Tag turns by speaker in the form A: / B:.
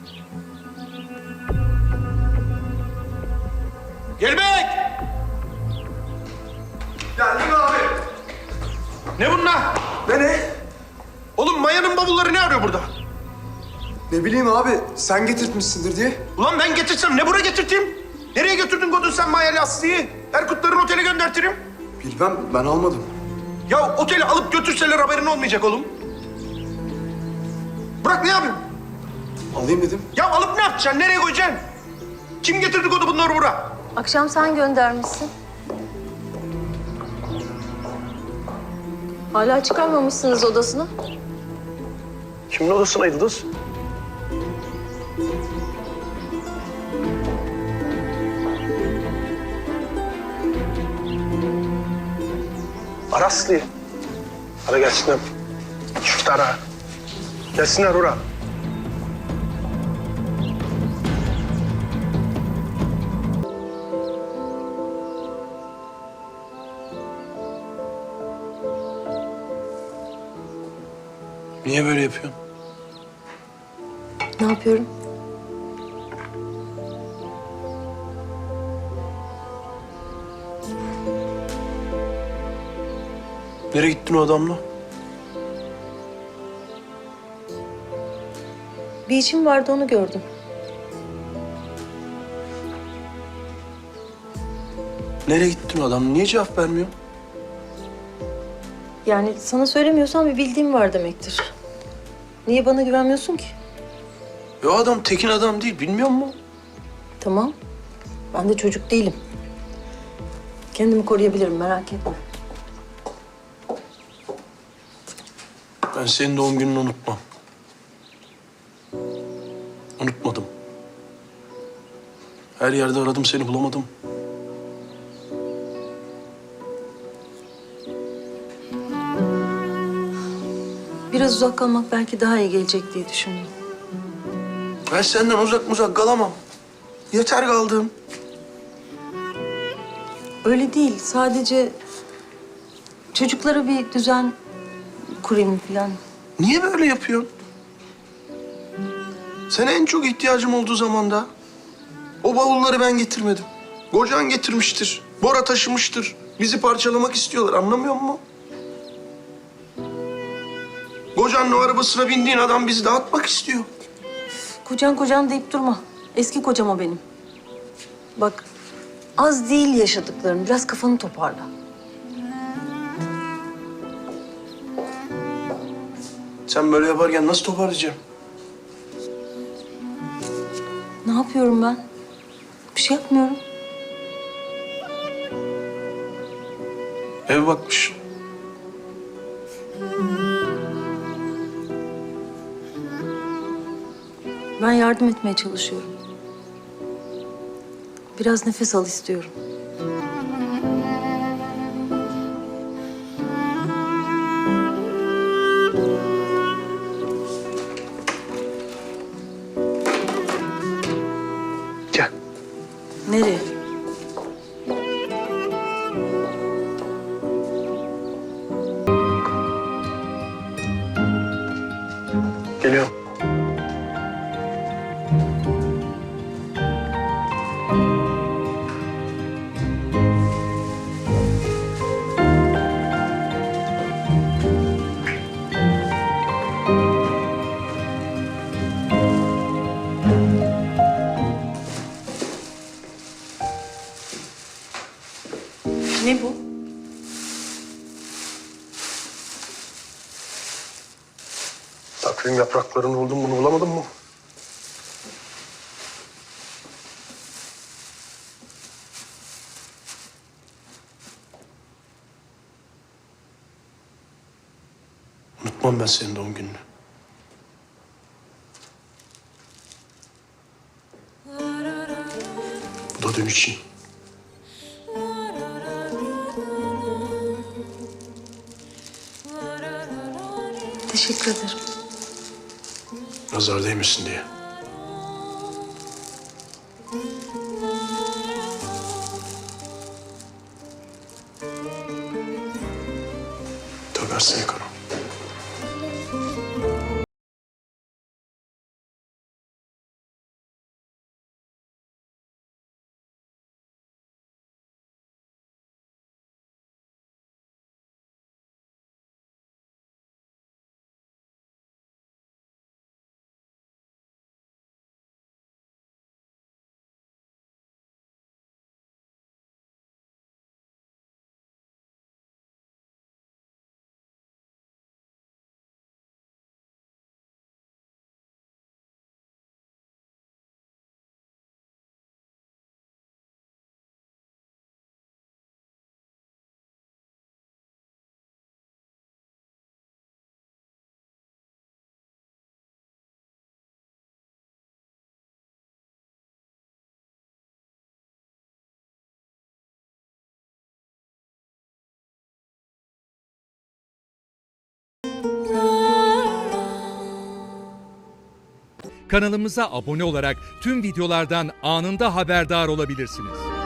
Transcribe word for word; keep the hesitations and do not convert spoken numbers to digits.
A: Gelmek!
B: Geldim abi.
A: Ne bunlar?
B: Ne ne?
A: Oğlum Maya'nın bavulları ne arıyor burada?
B: Ne bileyim abi, sen getirtmişsindir diye.
A: Ulan ben getirsem ne buraya getirteyim? Nereye götürdün Godun sen Maya Aslı'yı? Erkutların otele göndertirim.
B: Bilmem, ben almadım.
A: Ya oteli alıp götürseler haberin olmayacak oğlum. Bırak ne yapayım?
B: Alayım dedim.
A: Ya alıp ne yapacaksın? Nereye koyacaksın? Kim getirdi Godu bunları buraya?
C: Akşam sen göndermişsin. Hala çıkarmamışsınız odasına.
A: Kimin odasına Yıldız? Ara Aslı'yı. Ara gelsinler. Çift ara. Gelsinler oraya.
D: Niye böyle yapıyorsun?
C: Ne yapıyorum?
D: Nereye gittin o adamla?
C: Bir işim vardı, onu gördüm.
D: Nereye gittin o adamla? Niye cevap vermiyor?
C: Yani sana söylemiyorsam bir bildiğim var demektir. Niye bana güvenmiyorsun ki?
D: Ya o adam tekin adam değil, bilmiyor musun?
C: Tamam. Ben de çocuk değilim. Kendimi koruyabilirim, merak etme.
D: Ben senin doğum gününü unutmam. Unutmadım. Her yerde aradım, seni bulamadım.
C: Biraz uzak kalmak belki daha iyi gelecek diye düşündüm.
D: Ben senden uzak uzak kalamam. Yeter kaldım.
C: Öyle değil, sadece çocuklara bir düzen kurayım falan.
D: Niye böyle yapıyorsun? Sana en çok ihtiyacım olduğu zamanda o bavulları ben getirmedim. Kocan getirmiştir. Bora taşımıştır. Bizi parçalamak istiyorlar, anlamıyor musun? Kocanın o arabasına bindiğin adam bizi dağıtmak istiyor.
C: Kocan kocan deyip durma. Eski kocam o benim. Bak, az değil yaşadıklarım. Biraz kafanı toparla.
D: Sen böyle yaparken nasıl toparlayacağım?
C: Ne yapıyorum ben? Bir şey yapmıyorum.
D: Ev bakmış.
C: Ben yardım etmeye çalışıyorum. Biraz nefes al istiyorum.
D: Gel.
C: Nereye?
D: Geliyorum.
C: Ne bu?
A: Takvim yapraklarını buldum, bunu bulamadın mı?
D: Unutmam ben senin doğum gününü. Bu da dün için.
C: Teşekkür ederim.
D: Nazar değmesin diye. Tövbe kanım.
E: Kanalımıza abone olarak tüm videolardan anında haberdar olabilirsiniz.